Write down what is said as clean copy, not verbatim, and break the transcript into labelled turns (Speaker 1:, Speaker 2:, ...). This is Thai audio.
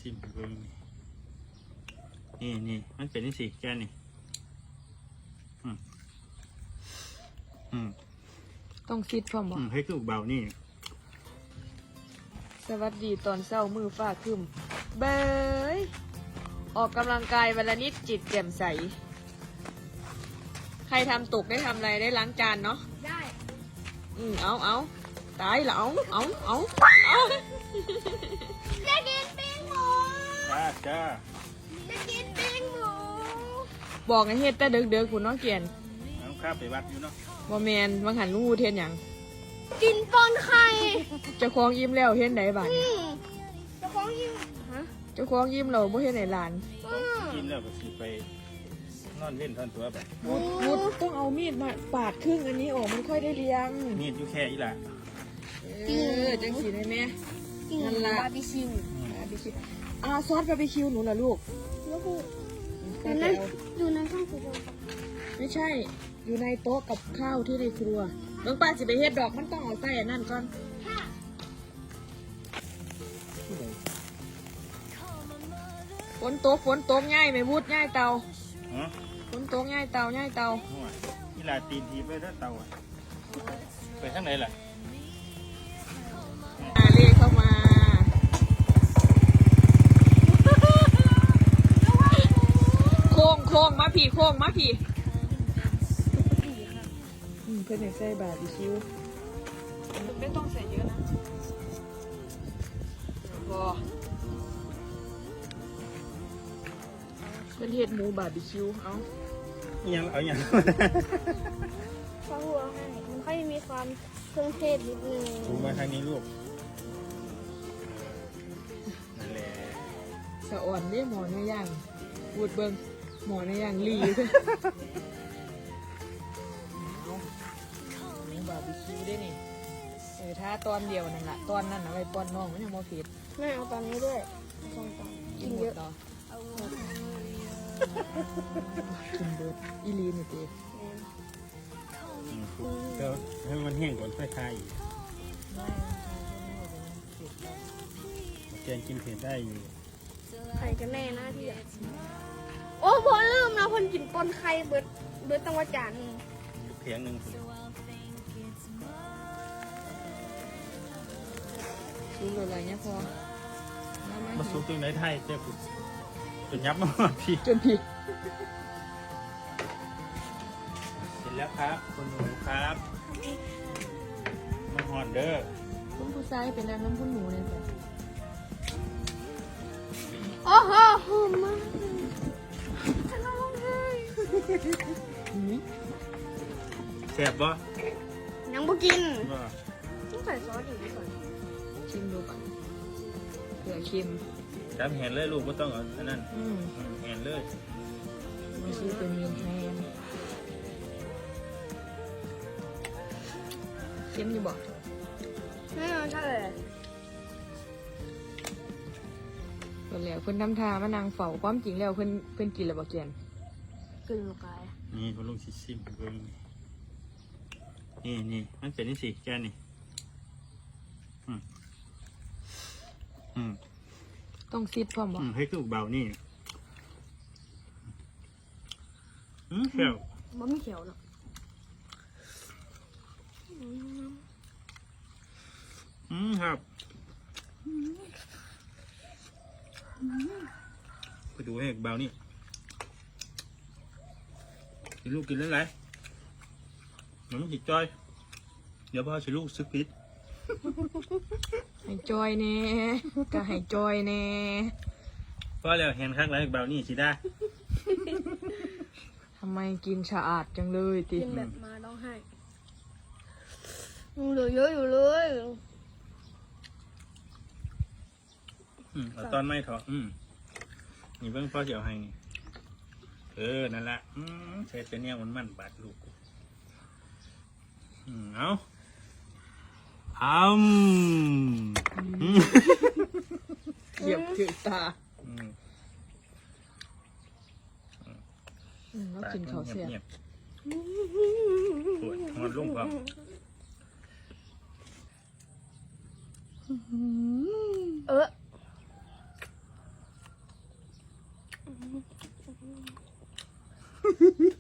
Speaker 1: ชิมเบิ่งนี่มันเป็นนี่สิแกนี่
Speaker 2: ต้องซิดพร้อมบ่
Speaker 1: ให้คือเบานี่
Speaker 2: สวัสดีตอนเช้ามือฟ้าครึมเบยออกกำลังกายวันละนิดจิตแจ่มใสใครทำตกได้ทำอะไรได้ล้างจานเนาะ
Speaker 3: ได้
Speaker 2: เอาตายแล้วเอา
Speaker 3: จะกินปิ้งหมู
Speaker 1: จ้า
Speaker 3: จะกินปิ้งหมู
Speaker 2: บอกให้เฮ็ดแต่เด็กๆคุณน้องเกียน
Speaker 1: น้ำข้าวไปวัดอยู่เนาะ
Speaker 2: บ่แมนวังหันลุงอูเทนหยัง
Speaker 3: กินปนไข่
Speaker 2: เจ้าของยิ้มแล้วเฮ็ดไหนบ้าง
Speaker 3: เจ้าของยิ้ม
Speaker 2: เจ้าของยิ้มเราบ่เฮ็ดไหนหลาน
Speaker 1: กินแล้วก็สิไปนอนเล่นท่อนตัวไป
Speaker 2: วุดต้องเอามีดมาปาดครึ่งอันนี้ออกมันค่อยได้เลี้ยง
Speaker 1: มีดอยู่แค่อีหล่ะ
Speaker 2: จังสีได้ไหม
Speaker 3: นั่นละบาร์บีคิว
Speaker 2: ซอสบาร์บีคิวหนูเหรอลูก
Speaker 3: แล้วกูอยู่ในช่องครัว
Speaker 2: ไม่ใช่อยู่ในโต๊ะกับข้าวที่ในครัวน้องป้าจะไปเฮ็ดดอกมันต้องเอาใส่อันนั่นก่อนฝนตกง่ายไหมวุดง่ายเตาฝนตกง่ายเตา
Speaker 1: อีหล่ะตีนทีไปถ้าเตาไปทางไหนล่ะ
Speaker 2: เลเข้ามาโค้งมาพี่เพื่อนใส่บาร์บีคิวไม่ต้องใส่เยอะนะพอเป็นเห็ดหมูบาร์บีคิวเอา
Speaker 1: อย่าง
Speaker 3: ข้าวหัวให้มันค่อยมีความเครื่องเทศนิดนึง
Speaker 1: ถูกมาทางนี้ลูกนั่นแหละ
Speaker 2: สะอ่อนเนี่ยหมอเนื้อย่างพูดเบิ้งหมอเนื้อย่างลีบาร์บีคิวได้นี่ถ้าตอนเดียวนั่นแหละตอนนั้นเอาไปป้อนน้องมันยังโมผิด
Speaker 3: แม่เอาตอนนี้ด้วยกินเยอะ
Speaker 2: ต่อกินเบิร์ดอีลีนี่ตี
Speaker 1: เดี๋ยวให้มันแห้งก่อนค่อยทายอีกแกงกินเผ็ดได้อยู่
Speaker 3: ไข่กันแน่นะที่โอ้พอลืมนะคนกินปนไข่เบิร์ดตั้งว่าจาน
Speaker 1: เพียงหนึ่ง
Speaker 2: ซุปอะไรเนี่ยพอ
Speaker 1: มาซุปตรงไหนไทยเจ้าคุณจนยับมาพี่
Speaker 2: จนพี่
Speaker 1: เสร็จแล้วครับคุณหนูครับมาหอนเด้อ
Speaker 2: คุณผู้ชายเป็นน้ำคุณหนูเลยจ้ะ
Speaker 3: โอ้โหหอมมากฉันร้องไห้
Speaker 1: แซ่บบ่
Speaker 3: ยังบ่กินต้องใส่ซอสอีกก่อน
Speaker 2: ชิมดูก่อนเผื่อชิม
Speaker 1: จำแหนเลยลูกไม่ต้องเอาอันนั้นแหนเลย
Speaker 2: ไม่ใช่เป็นเมียนแทนเค็มอยู่บ่
Speaker 3: ไม่เอาใช่เลย
Speaker 2: เพิ่นแล้วเพิ่นทำทามานางเฝ้าความจริงแล้วเพิ่นกินแล้วบ่เกียน
Speaker 3: กินลูกไก่
Speaker 1: นี่คุณลุงชิมเบิ่งนี่มันเป็นนี่สิแกนี่
Speaker 2: ต้องซิดพร้อมบ่
Speaker 1: ให้คือเบานี่เขียว
Speaker 3: บ่มีเขียวหรอก
Speaker 1: ครับไปดูให้เบานี่กินลูกกินอะไรมันต้องจิตจอยเดี๋ยวพ่อจะลูกซึกพิษ
Speaker 2: ให้จอยแน่ก็ให้จอยแน่
Speaker 1: พ่อแล้วเห็นข้างหลังเบานี่สิได้
Speaker 2: ทำไมกินสะอาดจังเลยติ
Speaker 3: กินแบบมาร้องไห้เหลือเยอะอยู่เลย
Speaker 1: เอาตอนไม่ถอดนี่เพิ่งพ่อเสียวให้นี่นั่นแหละใช้เป็นเนี่ยมันบาดลูกเอา
Speaker 2: เหยียบถือตาแล้วกินเขาเสีย
Speaker 1: ปวดหอนลุ่มครับ
Speaker 3: อ